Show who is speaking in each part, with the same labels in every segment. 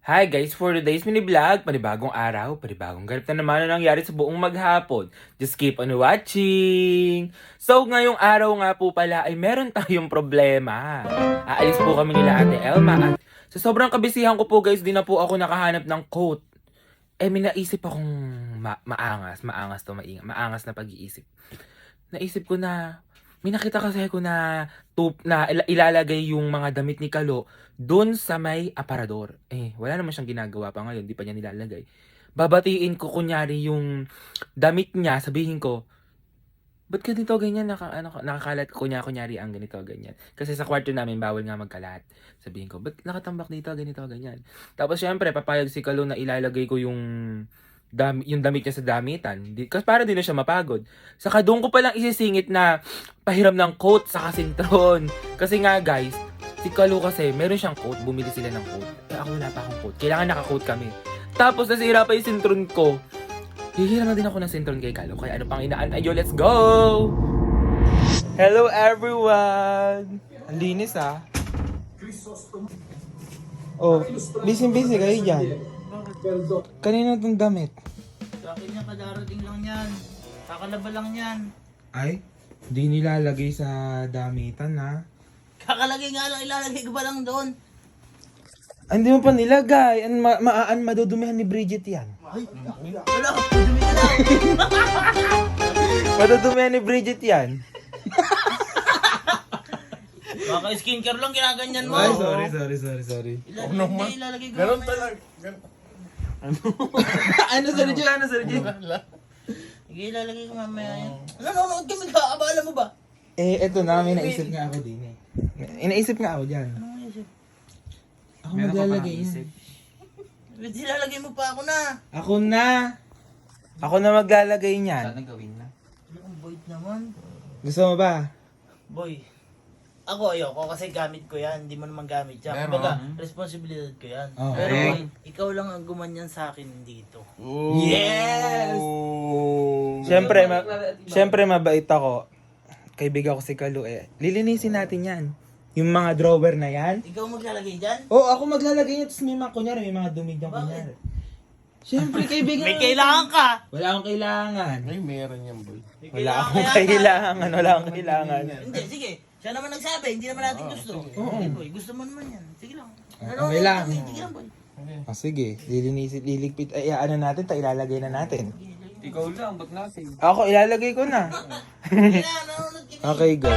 Speaker 1: Hi guys, for today's mini vlog, panibagong araw, panibagong ganap na naman ang nangyari sa buong maghapon. Just keep on watching! So ngayong araw nga po pala ay meron tayong problema. Aalis po kami nila Ate Elma at sa sobrang kabisihan ko po guys, di na po ako nakahanap ng coat. May naisip akong maangas na pag-iisip. Naisip ko na, may nakita kasi ako na ilalagay yung mga damit ni Kalo doon sa may aparador. Wala naman siyang ginagawa pa ngayon, di pa niya nilalagay. Babatiin ko kunyari yung damit niya, sabihin ko, ba't ganito ganyan, nakakalat kunyari ang ganito ganyan. Kasi sa kwarto namin, bawal nga magkalat. Sabihin ko, ba't nakatambak dito, ganito ganyan. Tapos syempre, papayag si Kalo na ilalagay ko yung damit niya sa damitan. Kasi para din na siya mapagod. Saka doon ko palang isisingit na pahiram ng coat sa kasintron. Kasi nga guys, si Kalo kasi meron siyang coat, bumili sila ng coat. Ako wala pa akong coat. Kailangan naka-coat kami. Tapos nasira pa yung sintron ko. Hihiram na din ako ng sintron kay Kalo. Kaya ano pang inaantay nyo? Let's go! Hello everyone! Ang linis ah. Oh, busy kayo dyan. Kanino itong damit?
Speaker 2: Sa akin yan, kadarating lang yan. Kakalaba lang yan.
Speaker 1: Ay, di nilalagay sa damitan ha.
Speaker 2: Kakalagay nga lang, ilalagay ko ba lang doon?
Speaker 1: Ay, hindi mo pa nilagay. Madudumihan ni Bridget yan.
Speaker 2: Ay, wala, dumi ka lang.
Speaker 1: Madudumihan ni Bridget yan.
Speaker 2: Baka skincare lang, ginaganyan mo.
Speaker 1: Ay, sorry.
Speaker 2: Ilalagay ko lang.
Speaker 1: Ano, Sergio?
Speaker 2: Sige, ilalagay ko mamaya yan. Nanonood kami ka, abala mo ba?
Speaker 1: Eto na, may naisip nga ako din eh. Inaisip nga ako dyan.
Speaker 2: Ano mo isip?
Speaker 1: Ako maglalagay yan.
Speaker 2: Ba't ilalagay mo pa ako na?
Speaker 1: Ako na maglalagay niyan.
Speaker 3: Sana gawin na.
Speaker 2: Ano ang boyd naman?
Speaker 1: Gusto mo ba?
Speaker 2: Boy, ako ayoko kasi gamit ko yan, hindi mo naman gamit yan.
Speaker 3: Pero,
Speaker 2: Kumbaga, responsibilidad ko yan.
Speaker 1: Oh,
Speaker 2: Pero
Speaker 3: correct.
Speaker 2: ikaw lang ang gumanyan sa akin dito.
Speaker 1: Yes! Siyempre mabait ako. Kaibigan ko si Kalo eh. Lilinisin natin yan. Yung mga drawer na yan.
Speaker 2: Ikaw maglalagay dyan?
Speaker 1: Ako maglalagay yan. Tapos may mga dumi dyan kunyari. Siyempre, kaibigan.
Speaker 2: May kailangan ka!
Speaker 1: Wala akong kailangan.
Speaker 3: Ay, meron yan, boy.
Speaker 2: May
Speaker 1: Wala akong
Speaker 2: kaya ka.
Speaker 1: kailangan.
Speaker 2: Hindi, sige. Siya naman nagsabi, hindi naman natin gusto.
Speaker 1: Oo.
Speaker 2: Okay, boy, gusto mo naman yan. Sige lang.
Speaker 1: Okay lang.
Speaker 2: Sige lang, boy.
Speaker 1: Sige, liligpit. Ano natin, ilalagay na natin.
Speaker 3: Ikaw lang, ba't natin?
Speaker 1: Ako, ilalagay ko na.
Speaker 2: Sige na, nanonood kami.
Speaker 1: Okay, go.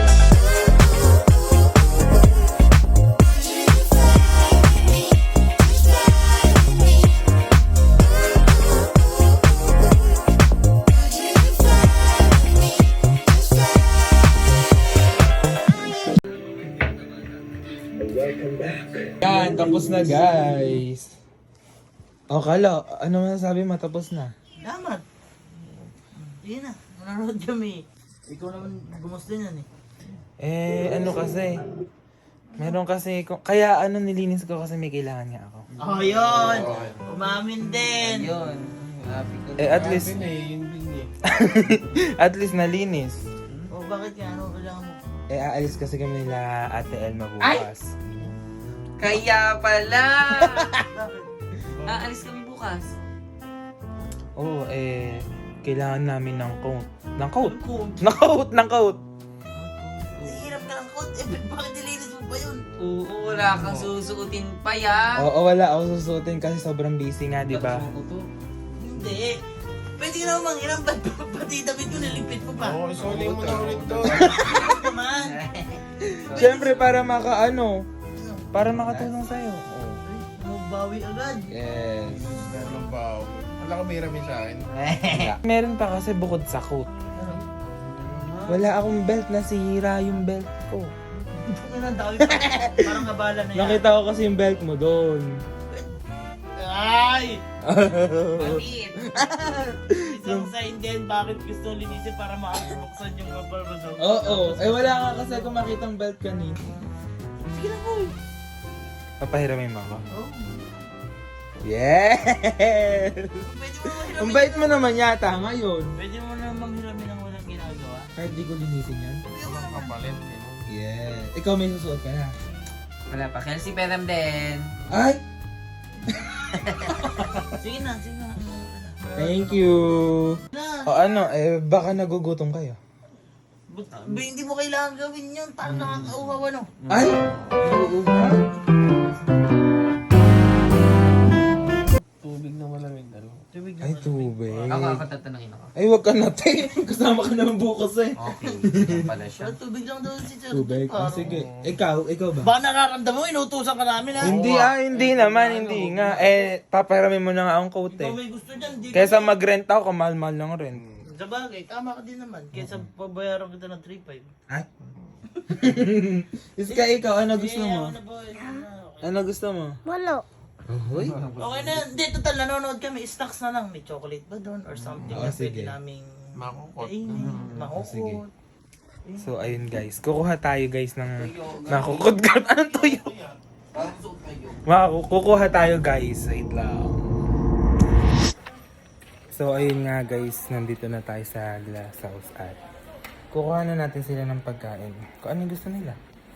Speaker 1: Yan, tapos na guys. Kalo, ano masasabi mo? Tapos na.
Speaker 2: Damat. Sige na, nanonood kami. Ikaw naman gumusto niyan eh.
Speaker 1: Ano kasi, meron kasi, kaya nilinis ko kasi may kailangan nga ako.
Speaker 2: Oh, yun! Umamin din!
Speaker 3: Yun.
Speaker 1: At least, at least nalinis.
Speaker 2: Oh, bakit nga? Ano kailangan mo?
Speaker 1: Aalis kasi kami nila Ate Elma bukas.
Speaker 3: Kaya pala!
Speaker 2: Bakit?
Speaker 3: Aalis kami bukas.
Speaker 1: Oo, kailangan namin ng coat. Ng coat?
Speaker 2: Coat.
Speaker 1: Ng coat!
Speaker 2: Hirap ka ng coat. Bakit nilinis mo pa yun?
Speaker 3: Oo, wala kang susuotin pa yan.
Speaker 1: Oo, wala ako susuotin kasi sobrang busy nga, di ba?
Speaker 2: Hindi. Pwede ka naman manghiram. Ba't pati damit ko nilipit mo pa?
Speaker 3: Oo, isuli mo na ulit to.
Speaker 2: Ano naman?
Speaker 1: Siyempre, para para makatulong sa'yo.
Speaker 2: Magbawi agad.
Speaker 1: Yes.
Speaker 3: Meron ba? Wala ka may ramin sa akin.
Speaker 1: Meron pa kasi bukod sa coat. Wala akong belt, nasira yung belt ko.
Speaker 2: Ano ang dami pa? Parang kabala na yan.
Speaker 1: Nakita ko kasi yung belt mo doon.
Speaker 2: Ay!
Speaker 3: Palit.
Speaker 2: Isang sign din bakit gusto linisin para makakabuksan yung kapal mo.
Speaker 1: Oo, wala ka kasi ako makitang belt kanina.
Speaker 2: Sige lang, boy.
Speaker 1: Papahiramin mo ako.
Speaker 2: Oh.
Speaker 1: Yes!
Speaker 2: Pwede mo naman hiramin.
Speaker 1: Ang bait mo naman yata ngayon.
Speaker 2: Pwede mo naman hiramin ang walang ginagawa.
Speaker 1: Kahit di ko linisin yan.
Speaker 3: Kapalit.
Speaker 1: Yes. Ikaw may susuot ka na.
Speaker 3: Wala pa. Kelsey Peram din.
Speaker 1: Ay!
Speaker 2: Sige na, sige na.
Speaker 1: Thank you.
Speaker 2: Na.
Speaker 1: O ano, baka nagugutom kayo.
Speaker 2: Hindi mo kailangan gawin yun. Parang nakakauhaw ano.
Speaker 1: Ay!
Speaker 3: Tubig na malamig.
Speaker 2: Tubig na.
Speaker 1: Ay, tubig.
Speaker 4: Nakakatatanungin ako.
Speaker 1: Ay, wag ka natin. Kasama ka naman bukas eh.
Speaker 4: Okay, yan pala siya.
Speaker 2: Pero tubig lang daw si Sir.
Speaker 1: Tubig?
Speaker 2: Parang-
Speaker 1: Sige. Ikaw ba?
Speaker 2: Baka nakaramdam mo, inutusan ka namin ha.
Speaker 1: Hindi naman, hindi nga. Paparamin mo na nga ang coat
Speaker 2: Ikaw
Speaker 1: eh.
Speaker 2: may gusto dyan. Di
Speaker 1: Kesa mag-rent ako, kamahal-mahal ng rent.
Speaker 2: Sa bagay, tama ka din naman. Kesa pabayaran kita ng 3.5.
Speaker 1: Ay? Iska, ikaw, ano gusto mo?
Speaker 2: Ano ba?
Speaker 1: Ano gusto mo?
Speaker 5: Walo.
Speaker 1: Hoy.
Speaker 2: Okay na, hindi, total, nanonood kami. Snacks na lang. May chocolate ba doon? Or something
Speaker 1: Oo,
Speaker 2: na
Speaker 1: sige.
Speaker 2: pwede naming
Speaker 3: Makukot.
Speaker 2: kainin.
Speaker 1: sige.
Speaker 2: Makukot.
Speaker 1: So, ayun guys. Kukuha tayo guys ng makukudgat. Anong tuyo? Kukuha tayo guys. Wait lang. So, ayun nga guys. Nandito na tayo sa glass house at kukuha na natin sila ng pagkain. Kung ano yung gusto nila.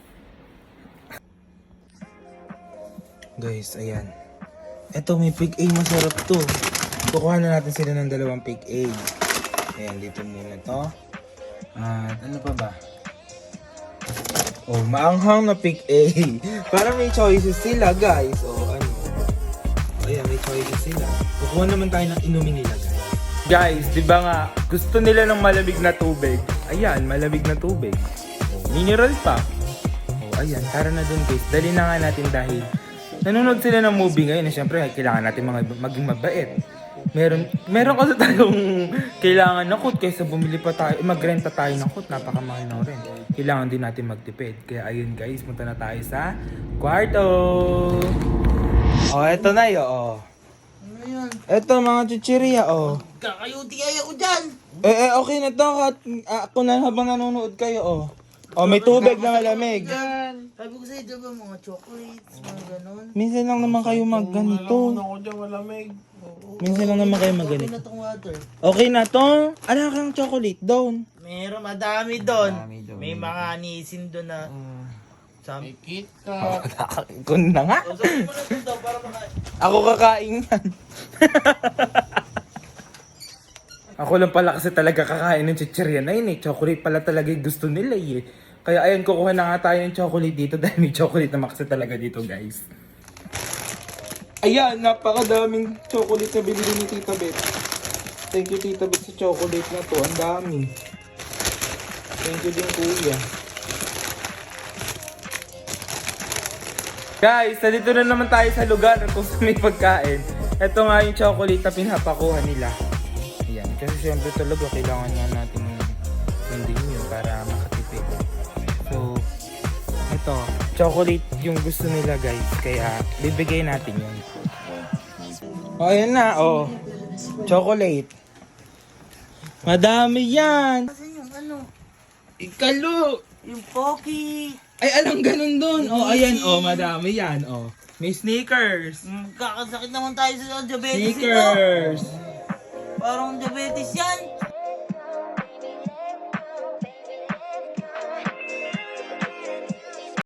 Speaker 1: Guys, ayan. Eto, may pig A. Masarap to. Kukuha na natin sila ng dalawang pig A. Ayan, dito muna to. At ano pa ba? Oh, maanghang na pig A. Para may choices sila, guys. Oh, ano. Ayan, may choices sila. Kukuha naman tayo ng inumin nila, guys. Guys, di ba nga, gusto nila ng malamig na tubig. Ayan, malamig na tubig. Oh, mineral pa. Oh, ayan, tara na dun, guys. Dali na nga natin dahil nanonood sila ng movie ngayon. Siyempre, kailangan natin maging mabait. Meron kasi tayong kailangan ng kut kaysa bumili pa tayo, magrenta tayo ng kut, napakamahal na rin. Kailangan din natin magtipid. Kaya ayun guys, punta na tayo sa kwarto. Oh, eto na yun, oh.
Speaker 2: Ano yun?
Speaker 1: Eto mga chichirya, oh.
Speaker 2: Kakayuti kaya ko dyan.
Speaker 1: Okay na to, ako na habang nanonood kayo, oh. Oh, may tubig na malamig.
Speaker 2: Sabi ko sa'yo, diba mga chocolates, mga ganon.
Speaker 1: Minsan lang naman kayo magganito.
Speaker 3: Ako dyan, malamig.
Speaker 1: Minsan lang naman kayo
Speaker 2: Okay
Speaker 1: magganito.
Speaker 2: na tong water.
Speaker 1: Okay na to. Ano kang chocolate doon?
Speaker 2: Meron, madami doon. May mga anisin doon na...
Speaker 3: May KitKat.
Speaker 1: Kun na nga.
Speaker 2: So, sabi mo na doon daw para maka...
Speaker 1: Ako kakain yan. Ako lang pala kasi talaga kakain ng chichirya na yun eh. Chocolate pala talaga yung gusto nila eh. Kaya ayun, kukuha na nga tayo ng chocolate dito dahil may chocolate naman kasi talaga dito guys. Ayan, napakadaming chocolate na binili ni Tita Beth. Thank you Tita Beth sa chocolate na to. Ang dami. Thank you din kuya. Guys, nandito na naman tayo sa lugar kung saan may pagkain. Ito nga yung chocolate na pinapakuha nila. Ayan, kasi siyempre talaga kailangan nga natin hindi yun para makatipid. So, ito, chocolate yung gusto nila guys, kaya bibigay natin yun. Oh, ayan na, oh. Chocolate. Madami yan.
Speaker 2: Kasi yung ano,
Speaker 1: Ikalo.
Speaker 2: yung Pocky.
Speaker 1: Ay, alam ganun dun. Oh, ayan, oh, madami yan, oh. May sneakers.
Speaker 2: Kakasakit naman tayo sa diabetes ito.
Speaker 1: Sneakers.
Speaker 2: Parang diabetes yan.